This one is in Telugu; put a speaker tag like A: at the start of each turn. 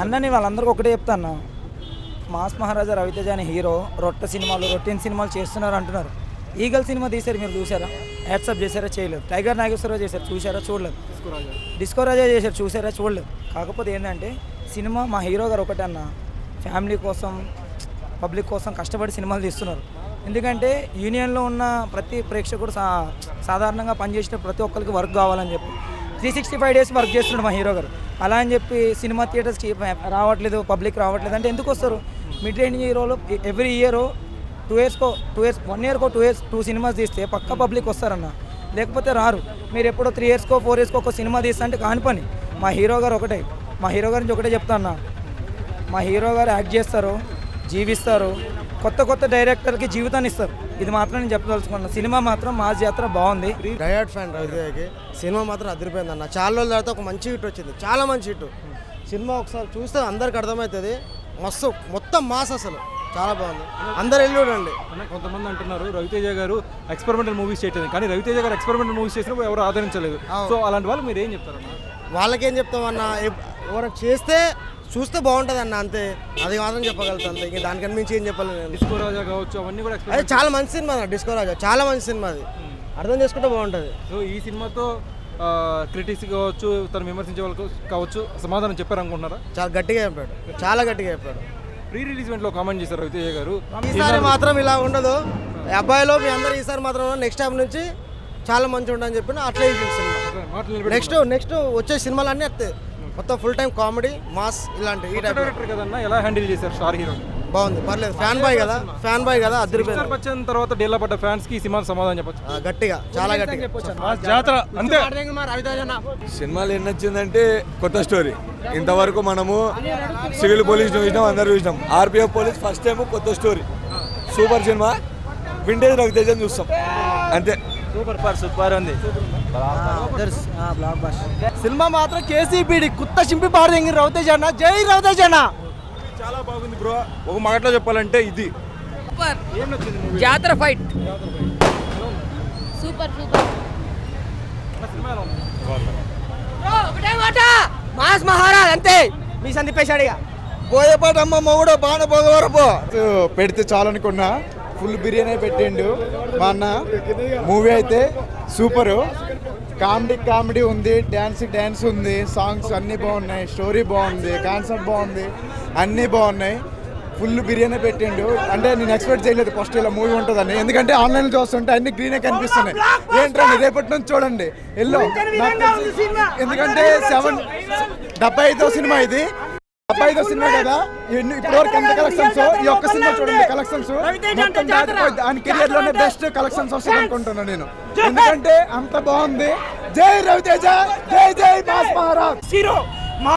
A: అన్నని వాళ్ళందరికీ ఒకటే చెప్తా అన్న, మాస్ మహారాజా రవితేజ అనే హీరో రొటీన్ సినిమాలు చేస్తున్నారు అంటున్నారు. ఈగల్ సినిమా తీశారు, మీరు చూసారా? యాడ్సప్ చేశారా? చేయలేదు. టైగర్ నాగేశ్వరరావు చేశారు, చూసారా? చూడలేదు. డిస్కో రాజా చేశారు, చూసారా? చూడలేదు. కాకపోతే ఏంటంటే సినిమా మా హీరో గారు ఒకటే అన్న, ఫ్యామిలీ కోసం పబ్లిక్ కోసం కష్టపడి సినిమాలు తీస్తున్నారు. ఎందుకంటే యూనియన్లో ఉన్న ప్రతి ప్రేక్షకుడు సాధారణంగా పనిచేసిన ప్రతి ఒక్కరికి వర్క్ కావాలని చెప్పి 365 days వర్క్ చేస్తున్నాడు మా హీరో గారు. అలా అని చెప్పి సినిమా థియేటర్స్కి రావట్లేదు, పబ్లిక్ రావట్లేదు అంటే ఎందుకు వస్తారు? మిడ్ రేంజ్ హీరోలు ఎవ్రీ ఇయర్ 2 yearsకో 1 yearకో 2 సినిమాస్ తీస్తే పక్క పబ్లిక్ వస్తారన్న, లేకపోతే రారు. మీరు ఎప్పుడో 3 yearsకో 4 yearsకో ఒక సినిమా తీస్తా అంటే కాని పని. మా హీరో గారు ఒకటే, మా హీరో గారి నుంచి ఒకటే చెప్తా అన్న, మా హీరో గారు యాక్ట్ చేస్తారు, జీవిస్తారు, కొత్త డైరెక్టర్కి జీవితాన్ని ఇస్తారు. ఇది మాత్రం నేను చెప్పదలుచుకున్నాను. సినిమా మాత్రం మా జాతర బాగుంది.
B: డయాడ్ ఫ్యాన్ రవితేజకి. సినిమా మాత్రం అదిరిపోయింది అన్న. చాలా రోజుల తర్వాత ఒక మంచి హిట్ వచ్చింది, చాలా మంచి హిట్. సినిమా ఒకసారి చూస్తే అందరికి అర్థమవుతుంది. మస్తు మొత్తం మాస్, అసలు చాలా బాగుంది. అందరు వెళ్ళి చూడండి.
C: కొంతమంది అంటున్నారు రవితేజ గారు ఎక్స్పెరిమెంటల్ మూవీస్ చేయట్లేదు, కానీ రవితేజ గారు ఎక్స్పెరిమెంటల్ మూవీస్ చేసినప్పుడు ఎవరు ఆదరించలేదు. సో అలాంటి వాళ్ళు మీరు ఏం చెప్తారన్న?
B: వాళ్ళకేం చెప్తామన్నా, ఎవరైనా చేస్తే చూస్తే బాగుంటుంది అన్న, అంతే. అది మాత్రం చెప్పగలుగుతాను అంతే, ఇంకా దానికన్నా మించి ఏం చెప్పాలి నేను.
C: డిస్కో రాజా కావచ్చు, అవన్నీ కూడా
B: అది చాలా మంచి సినిమా అన్న. డిస్కో రాజా చాలా మంచి సినిమా, అది అర్థం చేసుకుంటే బాగుంటుంది.
C: సో ఈ సినిమాతో క్రిటిక్స్ కావచ్చు, తను విమర్శించే వాళ్ళకు కావచ్చు సమాధానం చెప్పారనుకుంటున్నారా?
B: చాలా గట్టిగా చెప్పాడు, చాలా గట్టిగా చెప్పాడు.
C: ప్రీ రిలీజ్ ఈవెంట్లో కామెంట్ చేశారు రవితేజ గారు,
B: ఈసారి మాత్రం ఇలా ఉండదు అబ్బాయిలో, మీ అందరూ ఈసారి మాత్రం నెక్స్ట్ టైం నుంచి చాలా మంచి ఉండని చెప్పిన అట్లే సినిమా. నెక్స్ట్ వచ్చే సినిమాలు అన్నీ వస్తాయి, మొత్తం ఫుల్ టైం కామెడీ, మాస్, ఇలాంటి ఈ టైప్.
C: డైరెక్టర్ కదన్నా, ఎలా హ్యాండిల్ చేశారు స్టార్ హీరో?
B: బాగుంది, పర్లేదు. ఫ్యాన్ బాయ్ కదా అదిరిపోయింది.
C: వచ్చిన తర్వాత డేలా పడ్డ ఫ్యాన్స్ కి సినిమా సమాధానం చెప్పచ్చు.
B: గట్టిగా, చాలా గట్టిగా
C: జాతర అంతే.
D: సినిమాలు ఎన్ని వచ్చిందంటే కొత్త స్టోరీ. ఇంతవరకు మనము సివిల్ పోలీస్ చూసినాం, అందరు చూసినాం. ఆర్పిఎఫ్ పోలీస్ ఫస్ట్ టైం కొత్త story, super cinema. Vintage Ravi Teja చూస్తాం అంతే.
A: సూపర్ ఉంది
B: సినిమా మాత్రం కేసీపీడి కుత్త చింపి పాడదెంగి రవితేజ అన్న. జై రవితేజ అన్న.
D: చాలా బాగుంది బ్రో. ఒక మాటలో చెప్పాలంటే ఇది
E: సూపర్. జాతర ఫైట్ సూపర్. ఒకటే మాట, మాస్ మహారాజ్ అంతే.
B: మీ సందీపేశాడు ఇక.
D: పోయేపాటమ్మ మొగుడు బాణ పోగవరపో పెడితే చాలనుకున్నా. ఫుల్ బిర్యానీ పెట్టిండు మా అన్న. మూవీ అయితే సూపరు. కామెడీ ఉంది, డ్యాన్స్ ఉంది, సాంగ్స్ అన్నీ బాగున్నాయి, స్టోరీ బాగుంది, కాన్సెప్ట్ బాగుంది, అన్నీ బాగున్నాయి. ఫుల్ బిర్యానీ పెట్టిండు. అంటే నేను ఎక్స్పెక్ట్ చేయలేదు ఫస్ట్ ఇలా మూవీ ఉంటుందని, ఎందుకంటే ఆన్లైన్లో చూస్తుంటే అన్ని గ్రీనే కనిపిస్తున్నాయి. ఏంటంటే రేపటి నుంచి చూడండి ఎల్లో, ఎందుకంటే 75వ సినిమా ఇది. 75వ సినిమా కదా, ఇప్పటివరకు ఎంత కలెక్షన్స్. ఈ ఒక్క సినిమా చూడండి, కలెక్షన్స్ మొత్తం దాటిపోయింది. ఆయన కెరియర్ లోనే బెస్ట్ కలెక్షన్స్ వస్తుంది అనుకుంటున్నాను నేను, ఎందుకంటే అంత బాగుంది. జై రవితేజ, జై మాస్ మహారాజ్.